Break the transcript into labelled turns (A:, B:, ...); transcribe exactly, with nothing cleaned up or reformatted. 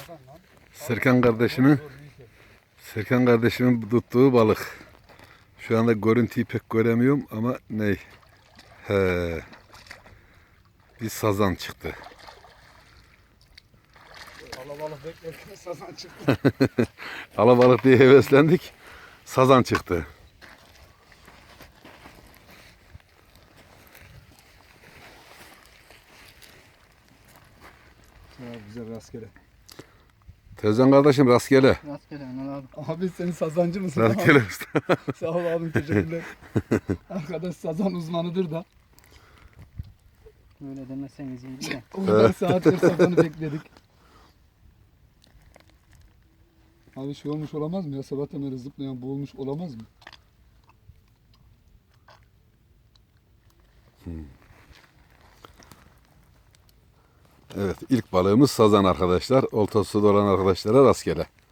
A: Serkan kardeşimin Serkan kardeşimin tuttuğu balık. Şu anda görüntüyü pek göremiyorum ama ne? He. Bir sazan çıktı.
B: Alabalık beklerken sazan çıktı.
A: Alabalık diye heveslendik. Sazan çıktı.
B: Ya güzel rastgele.
A: Tezcan kardeşim rastgele.
C: Rastgele Anıl abi.
B: Abi sen sazancı mısın?
A: Rastgele usta.
B: Sağ ol abim, teşekkürler. Arkadaş sazan uzmanıdır da.
C: Böyle demeseniz iyiydi de.
B: O kadar saattir sazanı bekledik. Abi şey olmuş olamaz mı ya? Sabahtan beri zıplayan boğulmuş olamaz mı?
A: Evet, ilk balığımız sazan arkadaşlar. Oltası olan arkadaşlara rastgele.